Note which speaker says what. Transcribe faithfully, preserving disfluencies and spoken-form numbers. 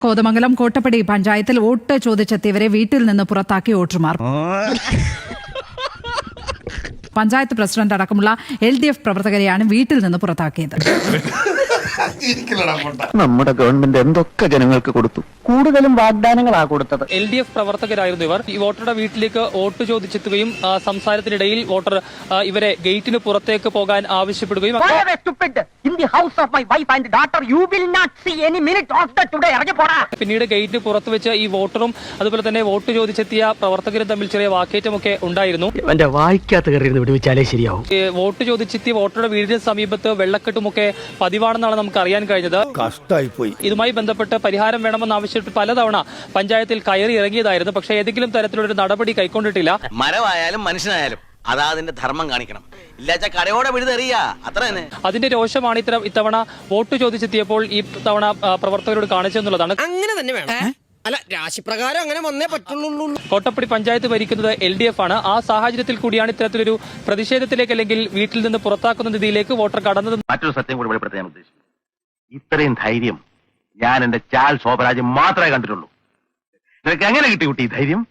Speaker 1: കോതമംഗലം കോട്ടപ്പടി പഞ്ചായത്തിൽ വോട്ട് ചോദിച്ചെത്തിയവരെ വീട്ടിൽ നിന്ന് പുറത്താക്കി വോട്ടർമാർ. പഞ്ചായത്ത് പ്രസിഡന്റ് അടക്കമുള്ള എൽ ഡി എഫ് പ്രവർത്തകരെയാണ് വീട്ടിൽ നിന്ന് പുറത്താക്കിയത്.
Speaker 2: നമ്മുടെ ഗവൺമെന്റ് എന്തൊക്കെ ജനങ്ങൾക്ക് കൊടുത്തു, കൂടുതലും വാഗ്ദാനങ്ങളാണ് കൊടുത്തത്.
Speaker 3: എൽ ഡി എഫ് പ്രവർത്തകരായിരുന്നു ഇവർ. ഈ വോട്ടറുടെ വീട്ടിലേക്ക് വോട്ട് ചോദിച്ചെത്തുകയും സംസാരത്തിനിടയിൽ വോട്ടർ ഇവരെ ഗേറ്റിന് പുറത്തേക്ക് പോകാൻ ആവശ്യപ്പെടുകയും പിന്നീട് ഗേറ്റിന് പുറത്ത് വെച്ച് ഈ വോട്ടറും അതുപോലെ തന്നെ വോട്ട് ചോദിച്ചെത്തിയ പ്രവർത്തകരും തമ്മിൽ ചെറിയ വാക്കേറ്റമൊക്കെ ഉണ്ടായിരുന്നു. വോട്ട് ചോദിച്ചെത്തിയ വോട്ടറുടെ വീടിന് സമീപത്ത് വെള്ളക്കെട്ടുമൊക്കെ പതിവാണെന്നാണ് നമുക്ക് അറിയാൻ കഴിഞ്ഞത്.
Speaker 4: കഷ്ടമായിപ്പോയി.
Speaker 3: ഇതുമായി ബന്ധപ്പെട്ട് പരിഹാരം വേണമെന്ന് ആവശ്യപ്പെട്ട് പലതവണ പഞ്ചായത്തിൽ കയറി ഇറങ്ങിയതായിരുന്നു. പക്ഷേ ഏതെങ്കിലും തരത്തിലൊരു നടപടി കൈക്കൊണ്ടിട്ടില്ല.
Speaker 5: മരമായാലും മനുഷ്യനായാലും അതാ അതിന്റെ ധർമ്മം കാണിക്കണം. ഇല്ലാച്ച കടയോടെ വിഴുതെറിയ അത്ര തന്നെ. അതിന്റെ
Speaker 3: രോഷമാണ് ഇത്തരം ഇത്തവണ വോട്ട് ചോദിച്ചെത്തിയപ്പോൾ ഈ തവണ പ്രവർത്തകരോട് കാണിച്ചെന്നുള്ളതാണ്.
Speaker 6: അങ്ങനെ തന്നെ വേണം. അല്ല, രാശിപ്രകാരം അങ്ങനെ വന്നേ പറ്റുള്ളൂ.
Speaker 3: കോട്ടപ്പടി പഞ്ചായത്ത് ഭരിക്കുന്നത് എൽ ഡി എഫ് ആണ്. ആ സാഹചര്യത്തിൽ കൂടിയാണ് ഇത്തരത്തിലൊരു പ്രതിഷേധത്തിലേക്ക് അല്ലെങ്കിൽ വീട്ടിൽ നിന്ന് പുറത്താക്കുന്ന രീതിയിലേക്ക് വോട്ടർ കടന്നത്.
Speaker 2: മറ്റൊരു സത്യം കൂടി വെളിപ്പെടുത്താൻ ഉദ്ദേശിച്ചു. ഇത്രയും ധൈര്യം ഞാൻ എന്റെ ചാൽ ശോഭരാജ് മാത്രമേ കണ്ടിട്ടുള്ളൂ. നിനക്ക് എങ്ങനെ കിട്ടി കുട്ടി ധൈര്യം?